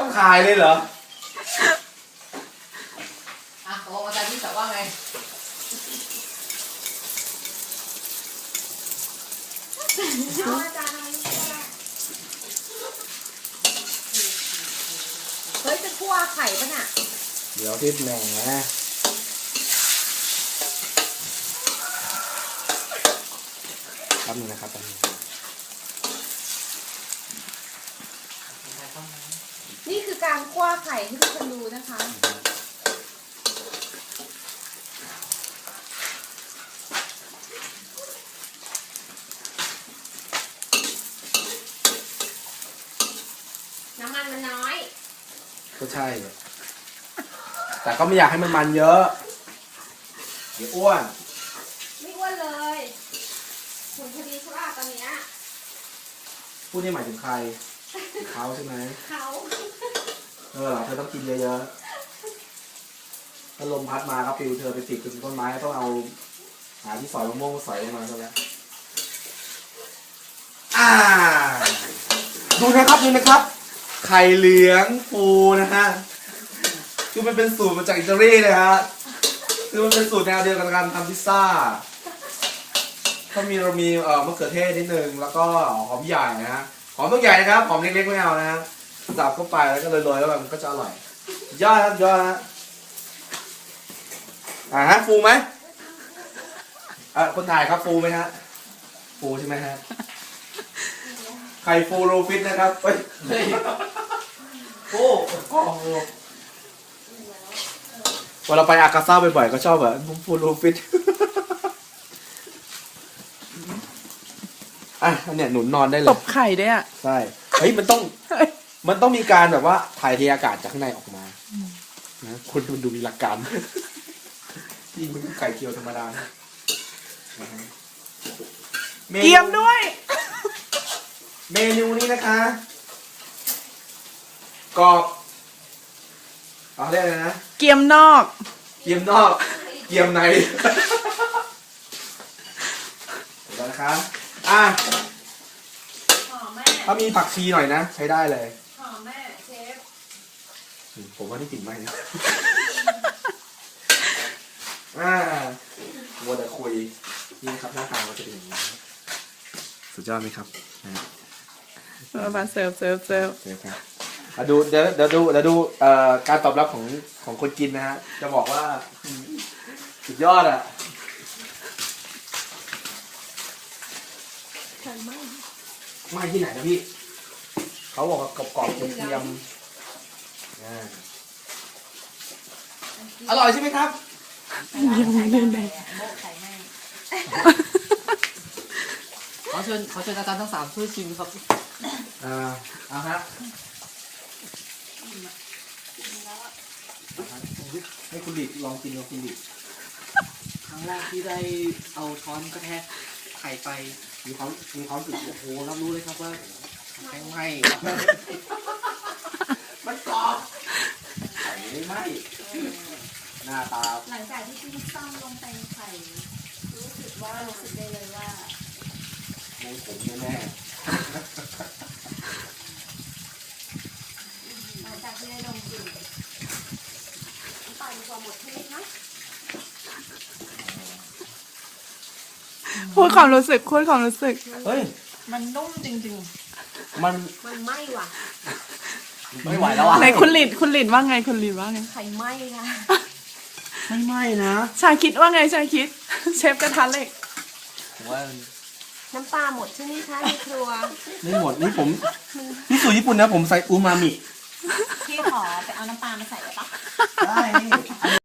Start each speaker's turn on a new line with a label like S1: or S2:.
S1: ถ่ายเลยเหรอ
S2: ตกลงอาจารย์ที่จะว่าไง
S3: เอาอาจารย์อะไรเฮ้ยจะคั่วไข่ปะน่ะ
S1: เดี๋ยวที่แหมแป๊บนึงนะครับแป๊บนึง
S3: นี่คือการคั่วไข่ที่ทุกคนดูนะคะน้ำมันมันน้อย
S1: ก็ใช่แต่ก็ไม่อยากให้มันเยอะเดี๋ยวอ้วน
S3: ไม่อ้วนเลยหุ่นพอดีใช่ป่ะตอนนี้
S1: พูดนี่หมายถึงใครเขาใช่ไหม
S3: เขา
S1: เธอต้องกินเยอะๆถ้าลมพัดมาครับฟิวเธอไปติดกับต้นไม้ต้องเอาหาที่สอยมะม่วงสอยมาซะแล้วดูนะครับไข่เหลืองฟูนะฮะคือมันเป็นสูตรมาจากอิตาลีเลยฮะคือมันเป็นสูตรแนวเดียวกันการทำพิซซ่าเรามีมะเขือเทศนิดนึงแล้วก็หอมใหญ่นะฮะหอมต้องใหญ่นะครับหอมเล็กๆไม่เอานะฮะสับเข้าไปแล้วก็โรยๆแล้วมันก็จะอร่อยยอดครับยอดฮะฟูไหมคนถ่ายครับฟูไหมฮะฟูใช่ไหมฮะไข่ฟูโรฟิตนะครับเฮ้ยฟูพอเราไปอากาซ่าบ่อยๆก็ชอบแบบฟูโรฟิตเนี่ยหนุนนอนได้เลย
S2: ตบไข่ด้วย
S1: ใช่เฮ้ยมันต้องมีการแบบว่าถ่ายเทอากาศจากข้างในออกมานะคุณดูมีหลักการยิ่งมันไข่เจียวธรรมดา
S2: เกี๊ยมด้วย
S1: เมนูนี้นะคะกรอบเอาได้เลยนะ
S2: เกี๊ยมนอก
S1: เกี๊ยมนอกเกี๊ยมในเดี๋ยวนะคะ
S3: หอมแม่
S1: ถ้ามีผักชีหน่อยนะใช้ได้เลย
S3: หอมแม่เชฟ
S1: ผมว่านี่กลิ่นไหมนะวัวแต่คุยนี่ครับหน้าตามันจะเป็นอย่างนี้สุดยอดไหมครับ
S2: มาเสิร์ฟ
S1: ครับดูเดี๋ยวดูการตอบรับของคนกินนะฮะจะบอกว่าสุดยอดไม่ที่ไหนนะพี่เขาบอกว่ากรอบๆเทียมอร่อยใช่ไหมครับ
S2: ยังไม่เล่นเลยขอเชิญอาจารย์ทั้ง3ช่วยชิมครับ
S1: เอาฮะให้คุณดิลองกินกับคุณดิ
S2: ครั้งแรกที่ได้เอาช้อนกระแทกไข่ไป
S1: มีความรู้สึก
S2: โอ้โหรับรู้เลยครับว่าแข็งไหม
S1: มันกรอบไข่ไม่ไหมหน้าตา
S3: หลังจากที่พี่ซ่อมลงไปไข่รู้สึกได้เลยว่า
S1: ไม่ขมแน่
S3: หลังจากที่ได้ลงกลิ่นน้ำตาลมีความหมดใช่ไหมคะ
S2: พูดความรู้สึก
S1: เฮ้ย
S2: มันนุ่มจริง
S1: ๆมัน
S3: ไหม้ว่ะ
S1: ไม่ไหวแล้วอ่ะ
S2: ไหนคุณหลินว่าไง
S3: ไข่ไหม้ค่ะ
S1: ไม่ไหม้นะ
S2: ชาคิดว่าไงชาคิดเชฟกระทะเหล็ก
S1: ผมว่า
S3: น้ำปลาหมดใช่ไหมคะในครัว
S1: ไม่หมดนี่สูตรญี่ปุ่นนะผมใส่อูมามิ
S3: พี่ขอไปเอาน้ำปลามาใส่ได้ปะ
S1: ได้